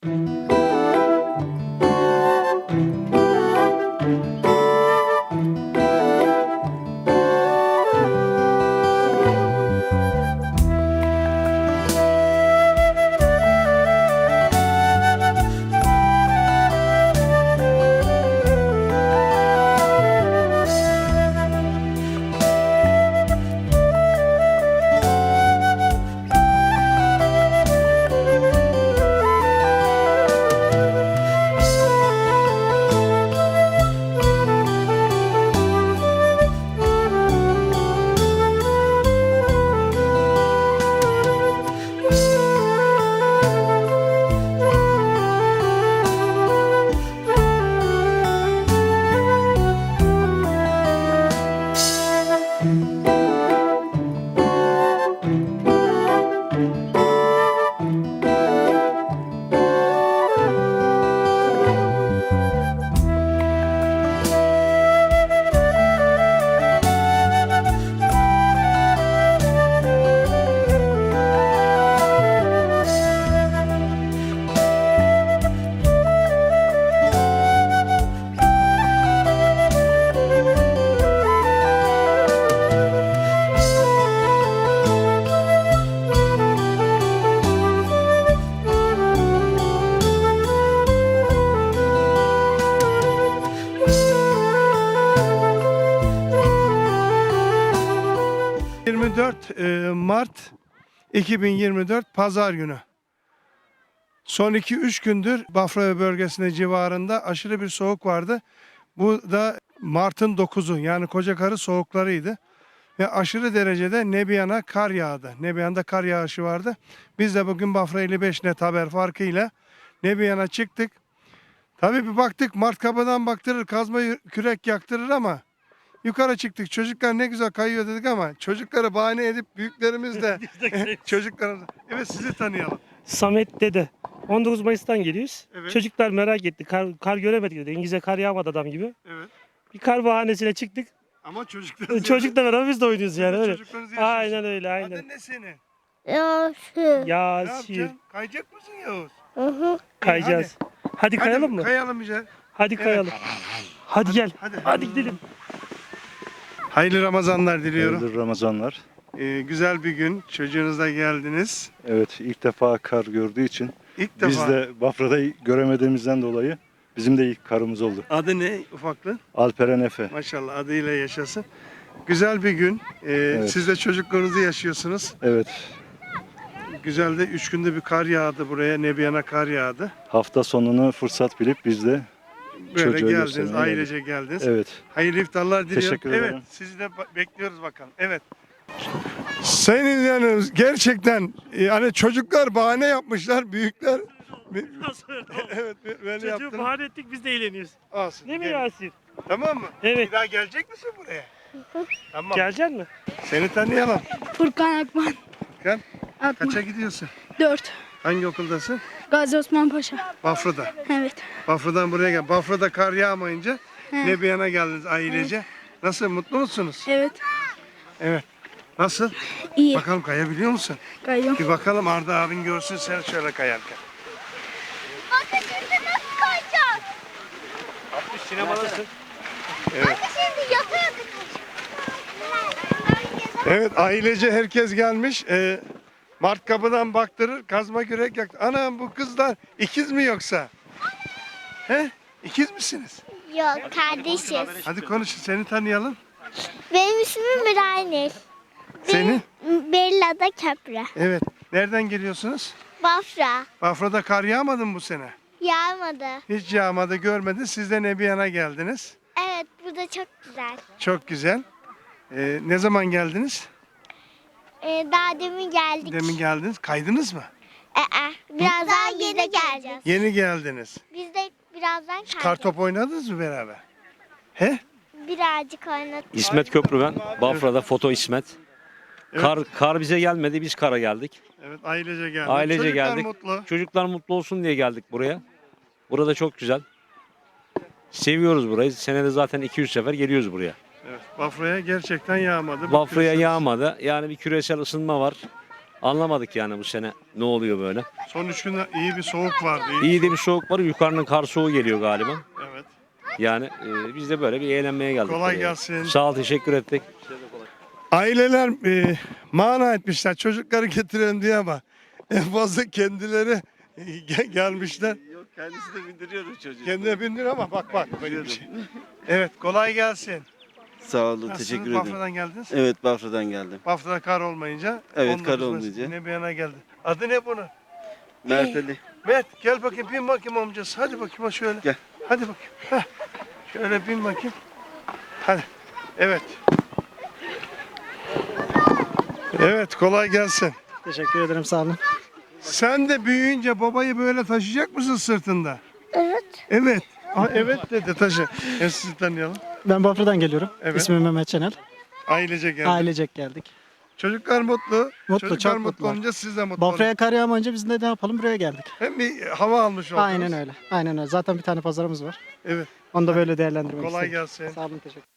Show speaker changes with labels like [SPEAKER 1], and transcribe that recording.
[SPEAKER 1] Mart 2024 Pazar günü. Son 2-3 gündür Bafra bölgesinde civarında aşırı bir soğuk vardı. Bu da Mart'ın 9'u yani Kocakarı soğuklarıydı. Ve aşırı derecede Nebiyan'a kar yağdı. Nebiyan'da kar yağışı vardı. Biz de bugün Bafra 55 net haber farkıyla Nebiyan'a çıktık. Tabii bir baktık Mart kapıdan baktırır, kazma kürek yaktırır ama yukarı çıktık. Çocuklar ne güzel kayıyor dedik ama çocukları bahane edip büyüklerimiz de çocuklarımız. Evet, sizi tanıyalım.
[SPEAKER 2] Samet dede. 19 Mayıs'tan geliyoruz.
[SPEAKER 1] Evet.
[SPEAKER 2] Çocuklar merak etti. Kar göremedik dedi. İngilizce kar yağmadı adam gibi.
[SPEAKER 1] Evet.
[SPEAKER 2] Bir kar bahanesiyle çıktık.
[SPEAKER 1] Ama çocuklar.
[SPEAKER 2] Çocukla beraber biz de oynuyoruz yani öyle.
[SPEAKER 1] Çocuklarınızı yaşıyorsunuz.
[SPEAKER 2] Aynen öyle, aynen.
[SPEAKER 1] Adın ne senin?
[SPEAKER 3] Yasin.
[SPEAKER 1] Ne
[SPEAKER 2] Yasir.
[SPEAKER 1] yapacaksın? Kayacak mısın Yavuz?
[SPEAKER 3] Hı.
[SPEAKER 2] Kayacağız. Hadi kayalım mı?
[SPEAKER 1] Kayalım güzel.
[SPEAKER 2] Hadi
[SPEAKER 1] Evet.
[SPEAKER 2] kayalım. Hadi gel.
[SPEAKER 1] Hadi.
[SPEAKER 2] Gidelim.
[SPEAKER 1] Hayırlı Ramazanlar diliyorum.
[SPEAKER 4] Hayırlı Ramazanlar.
[SPEAKER 1] Güzel bir gün. Çocuğunuzla geldiniz.
[SPEAKER 4] Evet, ilk defa kar gördüğü için
[SPEAKER 1] İlk defa.
[SPEAKER 4] biz de Bafra'da göremediğimizden dolayı bizim de ilk karımız oldu.
[SPEAKER 1] Adı ne ufaklığın?
[SPEAKER 4] Alperen Efe.
[SPEAKER 1] Maşallah, adıyla yaşasın. Güzel bir gün.
[SPEAKER 4] Evet.
[SPEAKER 1] Siz de çocuklarınızı yaşıyorsunuz.
[SPEAKER 4] Evet,
[SPEAKER 1] Güzel de 3 günde bir kar yağdı buraya. Nebiyan'a kar yağdı.
[SPEAKER 4] hafta sonunu fırsat bilip biz de
[SPEAKER 1] Böyle
[SPEAKER 4] çocuğa
[SPEAKER 1] geldiniz,
[SPEAKER 4] göstermeye
[SPEAKER 1] ailece geldiniz.
[SPEAKER 4] evet.
[SPEAKER 1] Hayırlı iftarlar diliyorum.
[SPEAKER 4] Teşekkür ederim.
[SPEAKER 1] Evet, sizi de bekliyoruz bakalım. Evet. Sayın izleyenlerimiz, gerçekten hani çocuklar bahane yapmışlar, büyükler evet böyle
[SPEAKER 2] Çocuğu
[SPEAKER 1] yaptılar.
[SPEAKER 2] bahane ettik, biz de eğleniyoruz.
[SPEAKER 1] Olsun.
[SPEAKER 2] Değil mi
[SPEAKER 1] gel.
[SPEAKER 2] Yasir?
[SPEAKER 1] Tamam mı?
[SPEAKER 2] Evet.
[SPEAKER 1] Bir daha gelecek misin buraya? Tamam.
[SPEAKER 2] Gelecek mi?
[SPEAKER 1] Seni tanıyalım.
[SPEAKER 3] Furkan Akman.
[SPEAKER 1] Gel.
[SPEAKER 3] Akman.
[SPEAKER 1] Kaça gidiyorsun?
[SPEAKER 3] 4.
[SPEAKER 1] Hangi okuldasın?
[SPEAKER 3] Gazi Osman Paşa.
[SPEAKER 1] Bafra'da.
[SPEAKER 3] Evet.
[SPEAKER 1] Bafra'dan buraya gel. Bafra'da kar yağmayınca Nebiyan'a geldiniz ailece. Nasıl, mutlu musunuz?
[SPEAKER 3] Evet.
[SPEAKER 1] Evet. Nasıl?
[SPEAKER 3] İyi.
[SPEAKER 1] Bakalım kayabiliyor musun?
[SPEAKER 3] Kayıyorum.
[SPEAKER 1] Bir bakalım, Arda abin görsün seni şöyle kayarken.
[SPEAKER 5] Bakın şimdi nasıl kayacağız?
[SPEAKER 2] Sinemadasın.
[SPEAKER 1] Evet.
[SPEAKER 5] Bakın şimdi yata yata kayacağız.
[SPEAKER 1] Evet, ailece herkes gelmiş. Mart kapıdan baktırır, kazma kürek yaktı. Anam, bu kızlar ikiz mi yoksa? He? İkiz misiniz?
[SPEAKER 5] Yok, kardeşiz.
[SPEAKER 1] Hadi konuşun, seni tanıyalım.
[SPEAKER 5] Benim ismim Miray.
[SPEAKER 1] Senin?
[SPEAKER 5] Bella'da Köprü.
[SPEAKER 1] Evet. Nereden geliyorsunuz?
[SPEAKER 5] Bafra.
[SPEAKER 1] Bafra'da kar yağmadı mı bu sene?
[SPEAKER 5] Yağmadı.
[SPEAKER 1] Hiç yağmadı, görmedin. Siz de Nebiyan'a geldiniz.
[SPEAKER 5] Evet, burada çok güzel.
[SPEAKER 1] Çok güzel. Ne zaman geldiniz?
[SPEAKER 5] Daha demin geldik.
[SPEAKER 1] Demin geldiniz. Kaydınız mı?
[SPEAKER 5] Birazdan biz de geleceğiz.
[SPEAKER 1] Yeni geldiniz.
[SPEAKER 5] Biz de birazdan
[SPEAKER 1] Kar
[SPEAKER 5] kayacağız.
[SPEAKER 1] top oynadınız mı beraber? He?
[SPEAKER 5] Birazcık oynadık.
[SPEAKER 6] İsmet Köprü ben. Bafra'da foto İsmet.
[SPEAKER 1] Evet.
[SPEAKER 6] Kar bize gelmedi, biz kara geldik.
[SPEAKER 1] Evet, ailece geldik.
[SPEAKER 6] Ailece
[SPEAKER 1] Çocuklar
[SPEAKER 6] geldik.
[SPEAKER 1] mutlu.
[SPEAKER 6] Çocuklar mutlu olsun diye geldik buraya. Burada çok güzel. Seviyoruz burayı. Senede zaten 200 sefer geliyoruz buraya.
[SPEAKER 1] Evet, Bafra'ya gerçekten yağmadı.
[SPEAKER 6] Bafra'ya
[SPEAKER 1] Küresel-
[SPEAKER 6] yağmadı. Yani bir küresel ısınma var. Anlamadık yani bu sene ne oluyor böyle.
[SPEAKER 1] Son 3 günde iyi bir soğuk vardı.
[SPEAKER 6] İyi de bir soğuk var. Yukarının kar soğuğu geliyor galiba.
[SPEAKER 1] Evet.
[SPEAKER 6] Yani biz de böyle bir eğlenmeye geldik.
[SPEAKER 1] Kolay
[SPEAKER 6] buraya.
[SPEAKER 1] gelsin.
[SPEAKER 6] Sağ ol, teşekkür ettik.
[SPEAKER 1] Aileler mana etmişler çocukları getirelim diye ama en fazla kendileri gelmişler.
[SPEAKER 7] Yok kendisi de bindiriyoruz çocuğu.
[SPEAKER 1] Kendine bindir ama bak böyle bir şey. Evet kolay gelsin.
[SPEAKER 7] Sağ olun
[SPEAKER 1] Nasılsınız?
[SPEAKER 7] teşekkür ederim.
[SPEAKER 1] Bafra'dan geldiniz.
[SPEAKER 7] Evet Bafra'dan geldim.
[SPEAKER 1] Bafra'da kar olmayınca.
[SPEAKER 7] Evet, kar
[SPEAKER 1] 19 Mayıs
[SPEAKER 7] olmayınca.
[SPEAKER 1] Yine bir yana geldi. Adı ne bunun?
[SPEAKER 7] Mert Ali.
[SPEAKER 1] Mert gel bakayım bin bakayım amcası. Hadi bakayım ha şöyle.
[SPEAKER 7] Gel.
[SPEAKER 1] Hadi bakayım. Heh. Şöyle bin bakayım. Hadi. Evet. Evet kolay gelsin.
[SPEAKER 8] Teşekkür ederim sağ olun.
[SPEAKER 1] Sen de büyüyünce babayı böyle taşıyacak mısın sırtında?
[SPEAKER 3] Evet.
[SPEAKER 1] Evet. Evet dedi taşı. Sizi tanıyalım.
[SPEAKER 8] Ben Bafra'dan geliyorum.
[SPEAKER 1] Evet.
[SPEAKER 8] İsmim Mehmet Çenel.
[SPEAKER 1] Ailece geldi.
[SPEAKER 8] Ailecek geldik.
[SPEAKER 1] Çocuklar mutlu.
[SPEAKER 8] Mutlu,
[SPEAKER 1] Çocuklar
[SPEAKER 8] çok
[SPEAKER 1] mutlu
[SPEAKER 8] mutlular.
[SPEAKER 1] olunca siz de mutlu olun.
[SPEAKER 8] Bafra'ya kar yağmayınca biz de ne yapalım buraya geldik.
[SPEAKER 1] Hem bir hava almış oldunuz.
[SPEAKER 8] Aynen öyle. Aynen öyle. Zaten bir tane pazarımız var.
[SPEAKER 1] Evet.
[SPEAKER 8] Onu da böyle değerlendirmek
[SPEAKER 1] Kolay
[SPEAKER 8] istedim.
[SPEAKER 1] gelsin.
[SPEAKER 8] Sağ olun teşekkür